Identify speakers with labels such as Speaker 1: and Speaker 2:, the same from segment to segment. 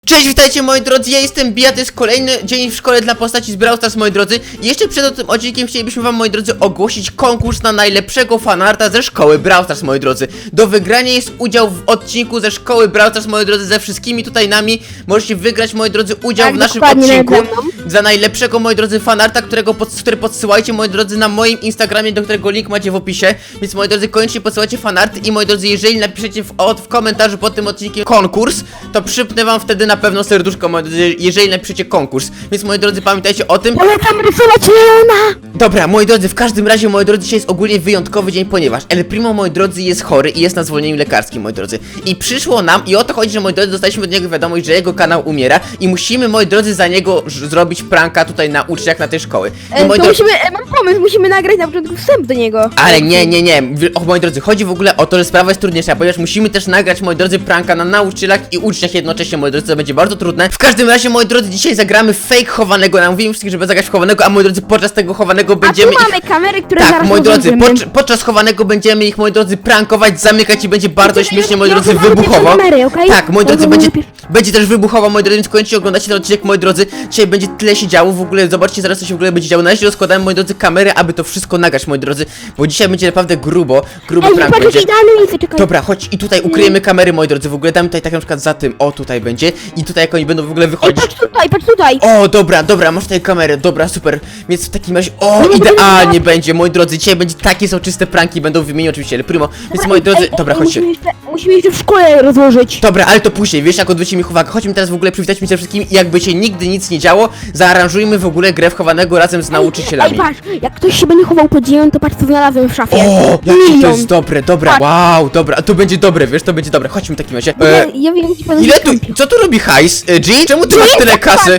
Speaker 1: Cześć, witajcie moi drodzy, ja jestem Bija, to jest kolejny dzień w szkole dla postaci z Brawl Stars, moi drodzy. I jeszcze przed tym odcinkiem chcielibyśmy wam, moi drodzy, ogłosić konkurs na najlepszego fanarta ze szkoły Brawl Stars, moi drodzy. Do wygrania jest udział w odcinku ze szkoły Brawl Stars, moi drodzy, ze wszystkimi tutaj nami. Możecie wygrać, moi drodzy, udział w naszym odcinku za najlepszego, moi drodzy, fanarta, który podsyłajcie, moi drodzy, na moim Instagramie, do którego link macie w opisie. Więc, moi drodzy, koniecznie podsyłajcie fanarty i, moi drodzy, jeżeli napiszecie w komentarzu pod tym odcinkiem konkurs, to przypnę wam wtedy na pewno serduszko, moi drodzy, jeżeli napiszecie konkurs. Więc, moi drodzy, pamiętajcie o tym.
Speaker 2: Polecam rysować Leona!
Speaker 1: Dobra, moi drodzy, w każdym razie, moi drodzy, dzisiaj jest ogólnie wyjątkowy dzień, ponieważ El Primo, moi drodzy, jest chory i jest na zwolnieniu lekarskim, moi drodzy. I przyszło nam, i o to chodzi, że, moi drodzy, dostaliśmy od niego wiadomość, że jego kanał umiera i musimy, moi drodzy, za niego zrobić pranka tutaj na uczniach na tej szkoły. I, moi drodzy,
Speaker 2: Mam pomysł, musimy nagrać na początku wstęp do niego.
Speaker 1: ale nie, moi drodzy, chodzi w ogóle o to, że sprawa jest trudniejsza, ponieważ musimy też nagrać, moi drodzy, pranka na nauczycielach i uczniach jednocześnie, moi drodzy, to będzie bardzo trudne. W każdym razie, moi drodzy, dzisiaj zagramy fake chowanego, namówimy wszystkich, żeby zagrać w chowanego, a, moi drodzy, podczas tego chowanego będziemy
Speaker 2: A tu mamy kamery, które
Speaker 1: tak,
Speaker 2: zaraz
Speaker 1: moi drodzy,
Speaker 2: rozłożymy.
Speaker 1: podczas chowanego będziemy ich, moi drodzy, prankować, zamykać i będzie bardzo śmiesznie, moi drodzy,
Speaker 2: rozmawiamy
Speaker 1: wybuchowo.
Speaker 2: przez kamery, okej?
Speaker 1: Tak, moi drodzy,
Speaker 2: Rozmawiamy
Speaker 1: będzie też wybuchowo, moi drodzy, więc koniecznie oglądacie ten odcinek, moi drodzy. Dzisiaj będzie tyle się działo, w ogóle, zobaczcie zaraz, co się w ogóle będzie działo. Na razie rozkładamy, moi drodzy, kamery, aby to wszystko nagrać, moi drodzy, bo dzisiaj będzie naprawdę grubo
Speaker 2: Ej,
Speaker 1: prank
Speaker 2: patrz,
Speaker 1: będzie.
Speaker 2: idealne miejsce, czekaj.
Speaker 1: Dobra, chodź i tutaj ukryjemy kamery, moi drodzy, w ogóle damy tutaj tak na przykład za tym, o, tutaj będzie i tutaj jak oni będą w ogóle
Speaker 2: Ej,
Speaker 1: wychodzić.
Speaker 2: patrz tutaj.
Speaker 1: O, dobra, masz tutaj kamerę, dobra, super. Więc w takim razie, o, idealnie będzie, moi drodzy, dzisiaj będzie takie soczyste pranki, będą w imieniu oczywiście El Primo, więc, moi drodzy, dobra, chodźcie.
Speaker 2: Musimy jeszcze w szkole rozłożyć.
Speaker 1: Dobra, ale to później, wiesz, jak odwrócimy ich uwagę. Chodźmy teraz w ogóle przywitać się ze wszystkimi i jakby się nigdy nic nie działo, zaaranżujmy w ogóle grę w chowanego razem z nauczycielami.
Speaker 2: Ej, patrz, jak ktoś się będzie chował pod ziemią, to patrz, co znalazłem w szafie.
Speaker 1: O, jakie to
Speaker 2: Milion.
Speaker 1: jest dobre, dobra,
Speaker 2: Patrz.
Speaker 1: wow, dobra, to będzie dobre, wiesz, to będzie dobre, chodźmy w takim razie.
Speaker 2: Ja wiem, gdzie pan
Speaker 1: Ile tu, co tu robi hajs? Jean, czemu ty masz tyle kasy?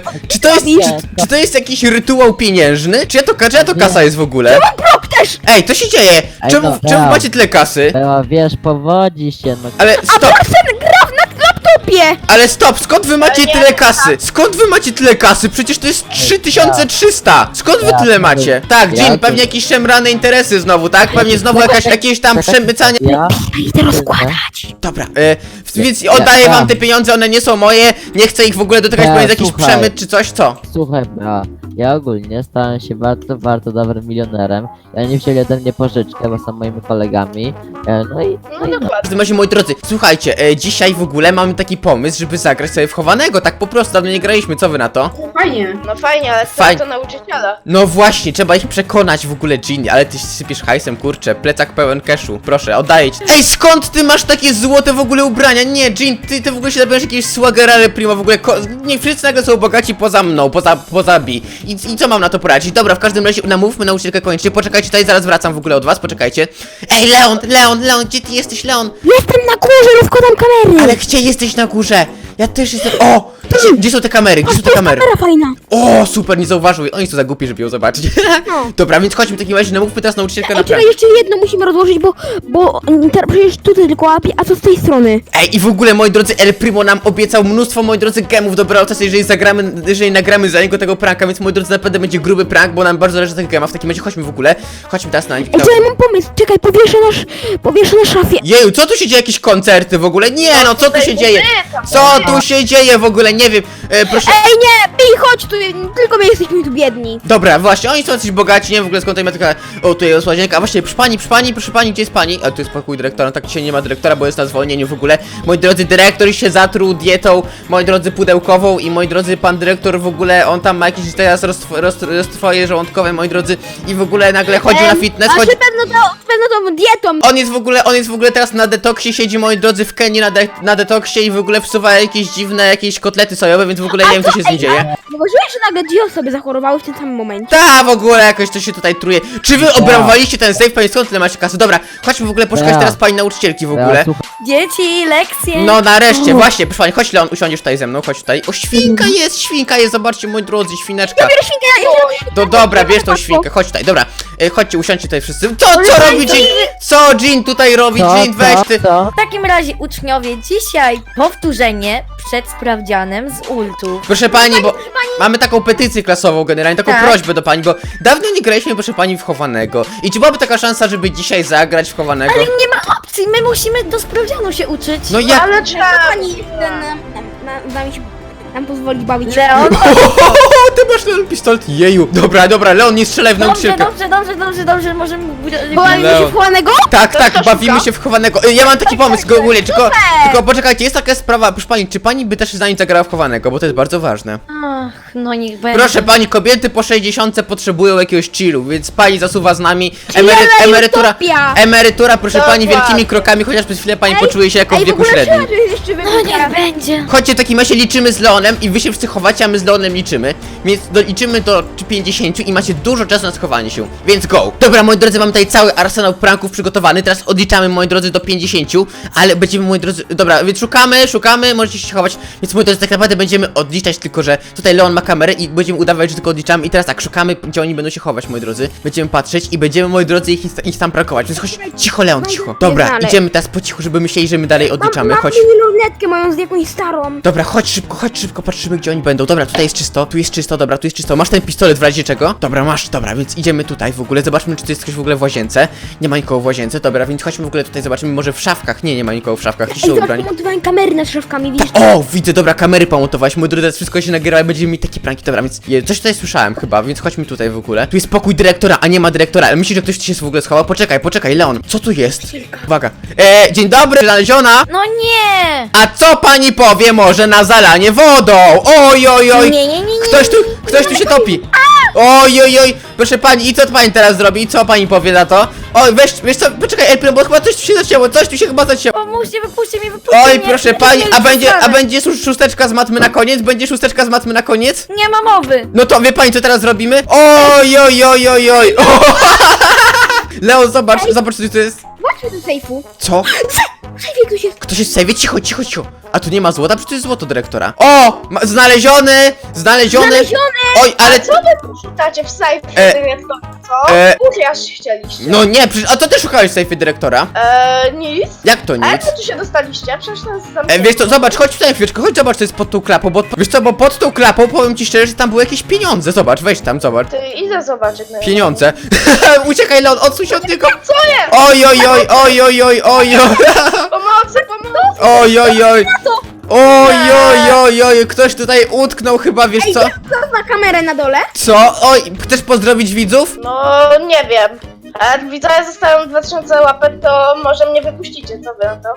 Speaker 1: Czy to jest jakiś rytuał pieniężny? Czyja to kasa jest w ogóle?
Speaker 2: Brok też!
Speaker 1: Ej, co się dzieje?
Speaker 3: Ej,
Speaker 1: Czemu
Speaker 3: dobra.
Speaker 1: macie tyle kasy?
Speaker 3: Była, wiesz, powodzi się, no.
Speaker 1: Ale
Speaker 2: A
Speaker 1: stop,
Speaker 2: Broksen gra na laptopie!
Speaker 1: ale stop, skąd wy macie tyle kasy? Skąd wy macie tyle kasy? Przecież to jest 3300! Skąd wy tyle macie? Tak, Jean, pewnie jakieś szemrane interesy znowu, tak? Pewnie znowu jakieś tam przemycanie.
Speaker 3: Ja?
Speaker 2: Idę rozkładać.
Speaker 1: Dobra, więc oddaję wam te pieniądze, one nie są moje, nie chcę ich w ogóle dotykać, bo jest jakiś
Speaker 3: słuchaj.
Speaker 1: przemyt czy coś, co?
Speaker 3: Słuchaj, ja ogólnie stałem się bardzo dobrym milionerem. Ja nie wzięli ode mnie pożyczkę, bo są moimi kolegami.
Speaker 1: W każdym razie, moi drodzy, słuchajcie, dzisiaj w ogóle mamy taki pomysł, żeby zagrać sobie w chowanego, tak po prostu, dawno nie graliśmy, co wy na to?
Speaker 4: Fajnie. No fajnie, ale
Speaker 1: Fajnie.
Speaker 4: to nauczyciela.
Speaker 1: No właśnie, trzeba ich przekonać w ogóle, Jean, ale ty sypiesz hajsem, kurczę, plecak pełen cashu, proszę, oddaję ci. Ej, skąd ty masz takie złote w ogóle ubrania? Nie, Jean, ty w ogóle się zabierzesz jakiegoś swagera, ale prima, w ogóle, nie wszyscy nagle są bogaci poza mną, poza Bi. I co mam na to poradzić? Dobra, w każdym razie namówmy nauczycielkę koniecznie, poczekajcie, tutaj zaraz wracam w ogóle od was, poczekajcie. Ej, Leon, gdzie ty jesteś, Leon?
Speaker 2: Jestem na górze, rozkładam kamery.
Speaker 1: Ale gdzie jesteś na górze? Ja też jestem, o! Gdzie są te kamery,
Speaker 2: To jest kamera fajna.
Speaker 1: O, super, nie zauważył. Oni są za głupi, żeby ją zobaczyć.
Speaker 2: No.
Speaker 1: Dobra, więc chodźmy w takim razie, namówmy teraz nauczycielkę na
Speaker 2: Ej, czekaj,
Speaker 1: prank.
Speaker 2: jeszcze jedno musimy rozłożyć, bo teraz przecież tutaj tylko łapie, a co z tej strony?
Speaker 1: Ej, i w ogóle, moi drodzy, El Primo nam obiecał mnóstwo, moi drodzy, gemów do Brawl Stars, jeżeli nagramy za niego tego pranka, więc, moi drodzy, naprawdę będzie gruby prank, bo nam bardzo zależy na tych gemach. W takim razie chodźmy w ogóle, chodźmy teraz na...
Speaker 2: Ej, czekaj, mam pomysł, czekaj, powieszę na szafie.
Speaker 1: Jeju, co tu się dzieje? Jakieś koncerty w ogóle? Nie, no, co tu się dzieje? Co tu się dzieje w ogóle? Nie wiem, proszę...
Speaker 2: Ej, nie, Pi, chodź tu, tylko my jesteśmy tu biedni.
Speaker 1: Dobra, właśnie, oni są jacyś bogaci, nie wiem w ogóle skąd tutaj ma taka... O, tu jest łazienka, a właśnie, proszę pani, gdzie jest pani? A tu jest pokój dyrektora, no tak dzisiaj nie ma dyrektora, bo jest na zwolnieniu w ogóle. Moi drodzy, dyrektor się zatruł dietą, moi drodzy, pudełkową i moi drodzy, pan dyrektor w ogóle, on tam ma jakieś teraz roztwoje żołądkowe, moi drodzy, i w ogóle nagle chodził na fitness,
Speaker 2: A czy pewno tą dietą.
Speaker 1: on jest w ogóle teraz na detoksie, siedzi, moi drodzy, w Kenii na detoksie i w ogóle wsuwa jakieś dziwne, jakieś kotlety sojowe, więc w ogóle nie wiem, co się z nim dzieje.
Speaker 2: Zauważyłeś, że nagle dwie osoby zachorowały w tym samym momencie?
Speaker 1: Ta, w ogóle jakoś to się tutaj truje. Czy wy obrabowaliście ten safe, pani, skąd tyle macie kasy? Dobra, chodźmy w ogóle poszukać teraz pani nauczycielki w ogóle.
Speaker 4: Dzieci, lekcje.
Speaker 1: No nareszcie, właśnie, proszę pani, chodź Leon, usiądziesz tutaj ze mną, chodź tutaj. O, świnka jest, zobaczcie, moi drodzy, świneczka.
Speaker 2: Biorę świnkę,
Speaker 1: To dobra, bierz tą świnkę, chodź tutaj, dobra. Chodźcie, usiądźcie tutaj wszyscy. Co robi Jean? Co Jean tutaj robi? Jean, weź ty.
Speaker 4: W takim razie uczniowie, dzisiaj powtórzenie przed sprawdzianem z ultów.
Speaker 1: Proszę pani, bo mamy taką petycję klasową generalnie, taką
Speaker 4: Tak.
Speaker 1: prośbę do pani, bo dawno nie graliśmy, proszę pani, w chowanego. I czy byłaby taka szansa, żeby dzisiaj zagrać w chowanego?
Speaker 4: Ale nie ma opcji, my musimy do sprawdzianu się uczyć.
Speaker 1: No jak?
Speaker 4: Ale
Speaker 2: Co pani z nami się nam pozwoli bawić.
Speaker 4: Leon,
Speaker 1: Ty masz ten pistolet, jeju. Dobra, Leon, nie strzelaj w nauczycielkę.
Speaker 4: dobrze, możemy...
Speaker 2: Bawimy się w chowanego?
Speaker 1: Tak, bawimy się w chowanego. Ja mam taki pomysł, ogólnie, tylko poczekajcie, jest taka sprawa, proszę pani, czy pani by też z nami zagrała w chowanego, bo to jest bardzo ważne.
Speaker 4: Ach, no niech będzie.
Speaker 1: Proszę pani, kobiety po 60 potrzebują jakiegoś chillu, więc pani zasuwa z nami. Emerytura, proszę pani, wielkimi krokami, chociaż przez chwilę pani poczuje się jako w wieku średnim.
Speaker 4: No niech będzie.
Speaker 1: Chodźcie, w takim razie liczymy z Leonem i wy się wszyscy chowacie, a my z Leonem liczymy. Więc liczymy do 50 i macie dużo czasu na schowanie się. Więc go! Dobra, moi drodzy, mam tutaj cały arsenał pranków przygotowany. Teraz odliczamy, moi drodzy, do 50, ale będziemy, moi drodzy... Dobra, więc szukamy, możecie się chować. Więc, moi drodzy, tak naprawdę będziemy odliczać, tylko że tutaj Leon ma kamerę i będziemy udawać, że tylko odliczamy. I teraz tak, szukamy, gdzie oni będą się chować, moi drodzy. Będziemy patrzeć i będziemy, moi drodzy, ich tam prankować. Więc chodź, cicho, Leon, cicho. Dobra,
Speaker 2: dalej.
Speaker 1: idziemy teraz po cichu, żeby myśleli, że my dalej odliczamy. Chodź.
Speaker 2: lunetkę moją z jakąś starą.
Speaker 1: Dobra, chodź szybko, patrzymy, gdzie oni będą. Dobra, tutaj jest czysto, tu jest czysto, dobra, tu jest czysto. Masz ten pistolet w razie czego? Dobra, masz, dobra, więc idziemy tutaj w ogóle, zobaczmy, czy tu jest ktoś w ogóle w łazience. Nie ma nikogo w łazience, dobra, więc chodźmy w ogóle tutaj, zobaczymy, może w szafkach. Nie ma nikogo w szafkach, ci są ubrani.
Speaker 2: Montowałem kamery nad szafkami, widzisz?
Speaker 1: O, widzę, dobra, kamery pomontowałeś, mój drodzy, teraz wszystko się nagrywa i będziemy mieć takie pranki, dobra, więc coś tutaj słyszałem chyba, więc chodźmy tutaj w ogóle. Tu jest pokój dyrektora, a nie ma dyrektora, ale myślisz, że ktoś tu się w ogóle schował? Poczekaj, Leon, co tu jest? Uwaga, dzień dobry, znaleziona.
Speaker 4: No nie!
Speaker 1: A co pani powie może na zalanie wodą? Oj,
Speaker 4: Nie.
Speaker 1: ktoś tu się topi. Oj, proszę pani, i co pani teraz zrobi? I co pani powie na to? Oj, wiesz co, poczekaj, Elpino, bo chyba coś tu się zacięło,
Speaker 4: Pomóżcie, wypuśćcie mnie.
Speaker 1: Oj, proszę pani, a będzie szósteczka z matmy na koniec? Będzie szósteczka z matmy na koniec?
Speaker 4: Nie ma mowy.
Speaker 1: No to wie pani, co teraz zrobimy? Oj. Leon, zobacz, co tu jest.
Speaker 2: Chodźmy do sejfu.
Speaker 1: Co?
Speaker 2: Szefie, ktoś jest.
Speaker 1: Ktoś jest w sejwie? Cicho. A tu nie ma złota? Przecież to jest złoto dyrektora. O! Znaleziony! Oj, ale...
Speaker 5: Co wy tu szukacie w sejfie dyrektora, co? Ukraść chcieliście.
Speaker 1: No nie, przecież... A to też szukałeś w sejfie dyrektora?
Speaker 5: Nic.
Speaker 1: Jak to
Speaker 5: A jak
Speaker 1: nic?
Speaker 5: wy tu się dostaliście? Przecież nas zamknięto.
Speaker 1: Wiesz co, zobacz, chodź tutaj chwileczkę, chodź zobacz, co jest pod tą klapą, bo... Wiesz co, bo pod tą klapą, powiem ci szczerze, że tam były jakieś pieniądze. Zobacz, weź tam, zobacz.
Speaker 5: Ty idę zobaczyć. No.
Speaker 1: Pieniądze. Uciekaj, Leon, odsuń się od niego.
Speaker 5: Co jest?
Speaker 1: Oj.
Speaker 5: Pomocy.
Speaker 1: Oj, ktoś tutaj utknął chyba, wiesz co?
Speaker 2: Kto ma kamerę na dole?
Speaker 1: Co? Oj, chcesz pozdrowić widzów?
Speaker 5: No nie wiem. A jak widzowie zostają 2000 łapek, to może mnie wypuścicie, co wy na to?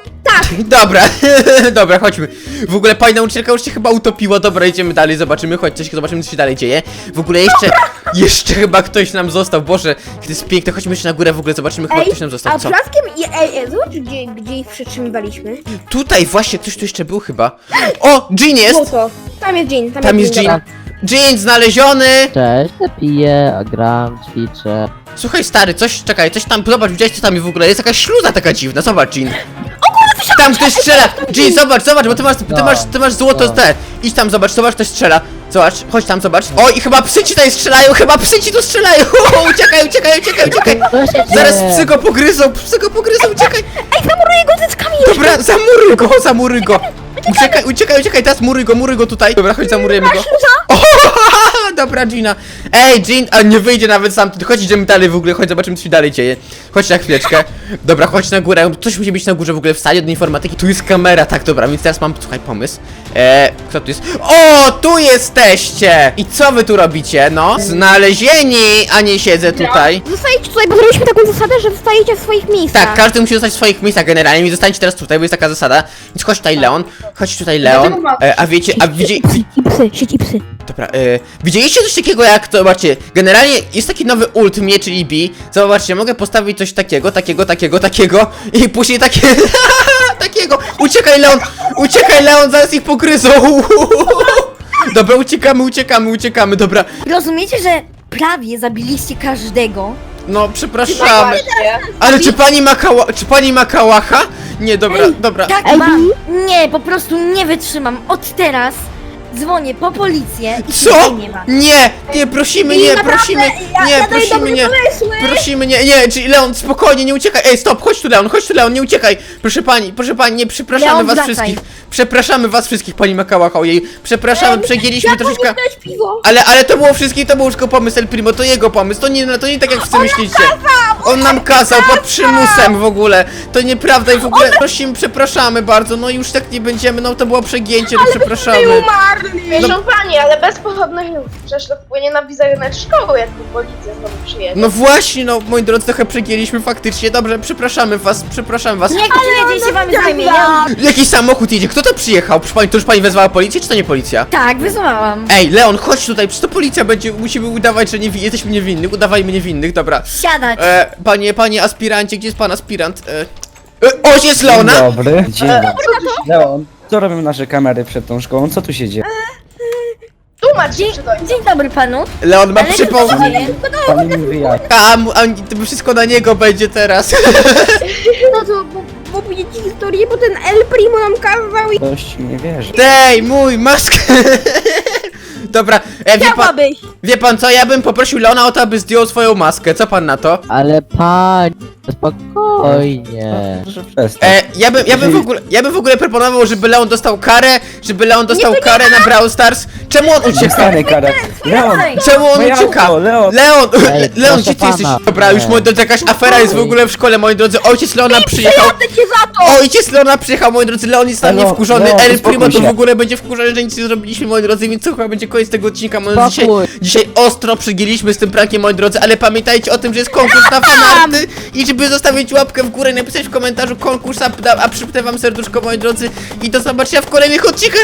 Speaker 1: Dobra, chodźmy. W ogóle pani nauczycielka już się chyba utopiła. Dobra, idziemy dalej, zobaczymy, zobaczymy, co się dalej dzieje. W ogóle jeszcze chyba ktoś nam został. Boże, to jest piękne, chodźmy jeszcze na górę, w ogóle zobaczymy, chyba ktoś nam został.
Speaker 2: A
Speaker 1: Co?
Speaker 2: blaskiem zobacz, gdzie ich przytrzymywaliśmy.
Speaker 1: Tutaj właśnie ktoś tu jeszcze był chyba. O, Jean jest!
Speaker 2: Złoto. Tam jest Jean,
Speaker 1: Tam jest Jean. Jean znaleziony!
Speaker 3: Cześć, ja piję, a gram, ćwiczę.
Speaker 1: Słuchaj stary, coś tam, zobacz, widziałeś co tam w ogóle, jest jakaś śluza taka dziwna, zobacz Jean. Tam ktoś strzela! Jean, zobacz, bo ty masz złoto te. Idź tam, zobacz, ktoś strzela. Zobacz, chodź tam, zobacz. O, i chyba psy ci tutaj strzelają, strzelają! Uciekaj! Zaraz psy go pogryzą, uciekaj!
Speaker 2: Ej, zamuruję go cyckami!
Speaker 1: Dobra, zamuruj go! Uciekaj, teraz muruj go tutaj. Dobra, chodź, zamurujemy go. O, dobra, Gina. Ej, Jean, a nie wyjdzie nawet sam. Chodź, idziemy dalej w ogóle, chodź, zobaczymy, co się dalej dzieje. Chodź na chwileczkę. Dobra, chodź na górę. Coś musi być na górze w ogóle w sali od informatyki. Tu jest kamera, tak, dobra, więc teraz mam, słuchaj, pomysł. Kto tu jest? O, tu jesteście! I co wy tu robicie, no? Znalezieni, a nie siedzę tutaj.
Speaker 2: Zostajecie tutaj, bo zrobiliśmy taką zasadę, że zostajecie w swoich miejscach.
Speaker 1: Tak, każdy musi zostać w swoich miejscach generalnie, więc zostańcie teraz tutaj, bo jest taka zasada. Więc chodź tutaj, Leon. A wiecie,
Speaker 2: Siedź i psy.
Speaker 1: Dobra, widzieliście coś takiego jak to, zobaczcie, generalnie jest taki nowy ult mnie, czyli B. Zobaczcie, mogę postawić coś takiego i później takie, takiego. Uciekaj Leon, zaraz ich pogryzą. Dobra, uciekamy, dobra.
Speaker 4: Rozumiecie, że prawie zabiliście każdego?
Speaker 1: No, przepraszamy. Ale czy pani ma kałacha? Nie, dobra.
Speaker 4: Tak
Speaker 2: Ej,
Speaker 4: mam. Nie, po prostu nie wytrzymam. Od teraz dzwonię po policję i
Speaker 1: Co?
Speaker 4: tutaj nie ma.
Speaker 1: Nie, prosimy, czyli Leon, spokojnie, nie uciekaj. Ej, stop, chodź tu, Leon, nie uciekaj. Proszę pani, nie, przepraszamy
Speaker 4: Leon,
Speaker 1: was
Speaker 4: wracaj.
Speaker 1: wszystkich. Przepraszamy was wszystkich, pani Makałacha, ojej. Przepraszamy, przegięliśmy troszeczkę.
Speaker 2: Dać piwo.
Speaker 1: Ale to było wszystkie, to był tylko pomysł El Primo, to jego pomysł, to nie tak jak wszyscy myślicie. On nam kazał pod przymusem w ogóle. To nieprawda i w ogóle prosimy, przepraszamy bardzo. No już tak nie będziemy, no to było przegięcie, no przepraszamy.
Speaker 5: Proszę pani, ale bez pochodnych nóg. Przecież to wpłynie na wizerunek szkoły, jakby policja znowu przyjedzie.
Speaker 1: No właśnie, no moi drodzy, trochę przegięliśmy faktycznie. Dobrze, przepraszamy was, przepraszam was.
Speaker 4: Niech tu jedzie się wam zajmie. Ja...
Speaker 1: Jakiś samochód jedzie, kto to przyjechał? Proszę pani, to już pani wezwała policję, czy to nie policja?
Speaker 4: Tak, wysłałam.
Speaker 1: Ej, Leon, chodź tutaj, przecież to policja będzie, musimy udawać, że jesteśmy niewinnych, udawajmy niewinnych, dobra.
Speaker 4: Siadać.
Speaker 1: Panie aspirancie, gdzie jest pan aspirant? Ojciec
Speaker 6: Dzień
Speaker 1: Leona!
Speaker 6: dobry. Dzień dobry. Leon, co robią nasze kamery przed tą szkołą? Co tu się dzieje?
Speaker 5: Tłumacz się przed ojcem.
Speaker 4: Dzień dobry panu.
Speaker 1: Leon ma
Speaker 4: Ale
Speaker 1: przypał...
Speaker 4: co się dzieje?
Speaker 6: Pani mi wyjaśni.
Speaker 1: To wszystko na niego będzie teraz.
Speaker 2: No to, bo powiedzieć ci historię, bo ten El Primo nam kazał i...
Speaker 6: Ktoś nie wierzy.
Speaker 1: Dej, mój, maskę! Dobra,
Speaker 2: Chciałabyś!
Speaker 1: wie pan co, ja bym poprosił Leona o to, aby zdjął swoją maskę, co pan na to?
Speaker 3: Ale pani, spokojnie.
Speaker 6: Proszę przestań.
Speaker 1: Ja bym w ogóle proponował, żeby Leon dostał karę, na Brawl Stars. Czemu on ucieka?
Speaker 6: Dostanę karę. Leon!
Speaker 1: Czemu on
Speaker 6: Moje
Speaker 1: ucieka?
Speaker 6: auto, Leon!
Speaker 1: Leon,
Speaker 3: Ej,
Speaker 1: Leon,
Speaker 3: proszę
Speaker 1: gdzie ty jesteś?
Speaker 3: pana.
Speaker 1: Dobra, już moi drodzy, jakaś afera jest w ogóle w szkole, moi drodzy. Ojciec Leona przyjechał.
Speaker 2: Jadę cię za to!
Speaker 1: Ojciec Leona przyjechał, moi drodzy, Leon jest na mnie
Speaker 6: Leon,
Speaker 1: wkurzony,
Speaker 6: Leon,
Speaker 1: El Primo to
Speaker 6: uspokój
Speaker 1: w
Speaker 6: się.
Speaker 1: ogóle będzie wkurzony, że nic nie zrobiliśmy, moi drodzy, więc to chyba będzie koniec tego odcinka, moi drodzy.
Speaker 3: Spokój.
Speaker 1: Dzisiaj ostro przygięliśmy z tym prankiem, moi drodzy, ale pamiętajcie o tym, że jest konkurs na fanarty i żeby zostawić łapkę w górę i napisać w komentarzu konkurs, a przypnę wam serduszko, moi drodzy, i do zobaczenia w kolejnych odcinkach